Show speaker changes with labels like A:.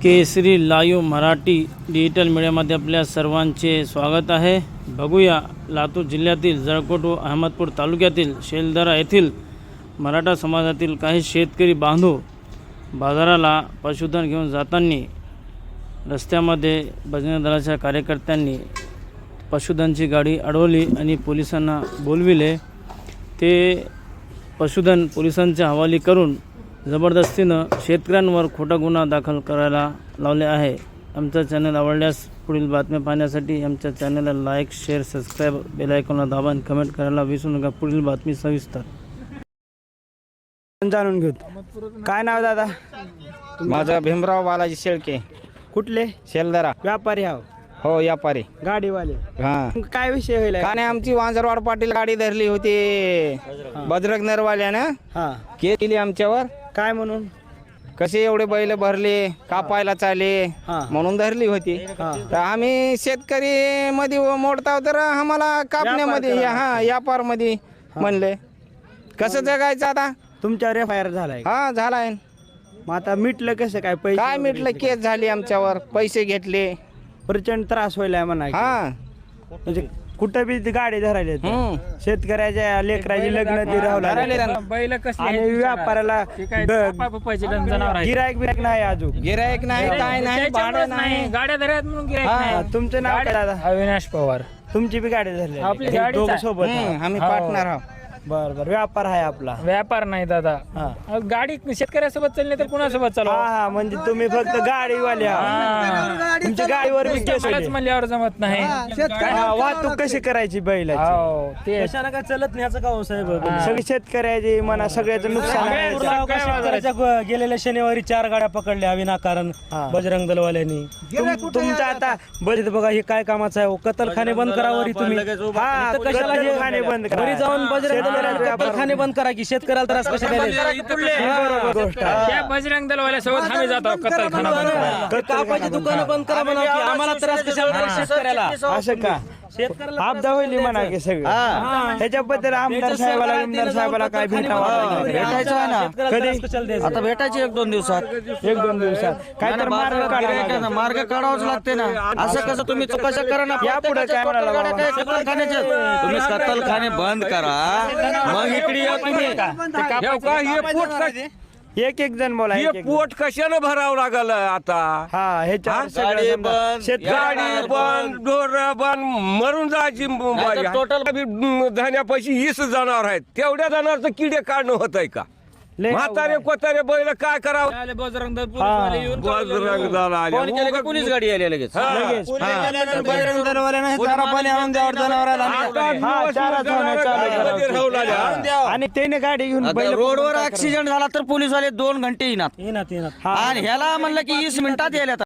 A: केसरी live Marathi digital मीडियामध्ये आपल्या सर्वांचे स्वागत आहे। बघूया लातूर जिल्ह्यातील जळकोट व अहमदपूर तालुक्यातील शेलदरा येथील मराठा समाजातील काही शेतकरी बांधव बाजाराला पशुधन घेऊन जाताना रस्त्यामध्ये बजरंग दलाच्या कार्यकर्त्यांनी पशुधनची गाडी अडवली आणि पोलिसांना बोलविले। ते पशुधन पोलिसांच्या हवाली करून जबरदस्तीनं शेतकऱ्यांवर खोटा गुन्हा दाखल करायला लावले आहे। आमचा चॅनल आवडल्यास पुढील बातम्या पाहण्यासाठी आमच्या चॅनलला लाईक, शेअर, सबस्क्राईब, बेल आयकॉनला दाबा आणि कमेंट करायला विसरू नका। पुढील बातमी सविस्तर
B: जाणून घेऊ। काय नाव दादा?
C: माझा भीमराव बालाजी शेळके,
B: कुठले?
C: शेलदरा।
B: व्यापारी हाव?
C: हो, व्यापारी
B: गाडीवाले?
C: हा।
B: काय विषय होईल?
C: का नाही, आमची वांजरवाड पाटील गाडी धरली होती बजरंग नरवाल्यानं,
B: हा
C: केली आमच्यावर।
B: काय म्हणून?
C: कसे एवढे बैल भरले, कापायला चाले म्हणून धरली होती। तर आम्ही शेतकरी मध्ये मोडताव तर आम्हाला कापण्यामध्ये व्यापार मध्ये म्हणले कसं जगायचं आता।
B: तुमच्यावर एफआयआर झालाय?
C: हा, झालाय।
B: मग आता मिटलं कसं काय? पैसे
C: काय मिटलं? केस झाली आमच्यावर, पैसे घेतले,
B: प्रचंड त्रास व्हायला म्हणा।
C: हा
B: म्हणजे कुठं बी ती गाडी धरायली शेतकऱ्याच्या लेकराची लग्न ती राहू
D: बैल कसले
B: आणि व्यापाराला गिरायक बिरायक नाही अजून?
C: गिरायक नाही, काय नाही, भाडं नाही,
D: गाड्या धरत म्हणून गिऱ्हाईक
B: तुमचं नाव काय दादा?
D: अविनाश पवार।
B: तुमची बी गाडी धरली?
D: आपली गाडीच
B: दोघं
D: आहे.
B: सोबत?
C: आम्ही पार्टनर आहोत।
B: बर बर, व्यापार आहे आपला?
D: व्यापार नाही दादा, गाडी शेतकऱ्यासोबत चालली तर कुणासोबत चालू?
B: हा म्हणजे तुम्ही फक्त गाडीवाले आहात. तुमच्या गाडीवर बी केस होते.
D: म्हणल्यावर जमत नाही।
B: वाहतूक कशी करायची बैलाची?
D: हो, ते
B: काय चलत नाही का हो साहेब? सगळी शेतकऱ्याची म्हणा, सगळ्याचं नुकसान आहे।
E: गेलेल्या शनिवारी 4 गाड्या पकडल्या विनाकारण बजरंग दलवाल्यांनी।
B: तुमचं आता
E: बजेट बघा, हे काय कामाचं आहे? कत्तलखाने बंद करावरी तुम्ही।
B: हा,
E: कशाला हे
B: खाणे बंद करा.
E: घरी जाऊन बजरंग कत्तलखाने बंद करा की शेतकऱ्याला त्रास कशाला द्यायला?
D: त्या बजरंग दलवाल्यासोबत आम्ही जातो कत्तलखाना बंद करायला।
E: कापाची दुकानं बंद करा म्हणा की आम्हाला त्रास कशाला द्यायला शेतकऱ्याला?
B: असं का? आपदा होईल म्हणा की सगळं ह्याच्याबद्दल आमदार साहेबाला काय भेटावं?
E: भेटायचं आहे ना
B: कधी?
E: आता भेटायचे 1-2 दिवसात।
B: 1-2 दिवसात काय तर मार्ग काढावा.
E: मार्ग काढावाच लागते ना। असं कसं तुम्ही चौकशा करा ना?
B: यापुढे काय म्हणाला बाबा?
E: तुम्ही कत्तलखाने बंद करा, मग इकडे या तुम्ही।
B: एक जण बोला.
F: पोट कशानं भरावं लागल आता?
B: हा, ह्याच्यावर
F: गाडी बंद, ढोर बंद, मरून जायची टोटल धान्यापाशी 20 जनावर आहेत, तेवढ्या जनावरचं किडे काढणं होत आहे का? म्हातारे कोतारे बैल काय करावं?
D: बजरंग दल
F: बजरंग दल आले,
E: पोलीस गाडी आली लगेच।
B: बजरंग दलवाल्याने चारा पाणी आणून द्यावर जनावराला. आणि त्याने गाडी घेऊन
E: रोडवर ऍक्सिडेंट झाला तर पोलीसवाले 2 घंटे येणार आणि ह्याला म्हणलं की 20 मिनिटात यायला.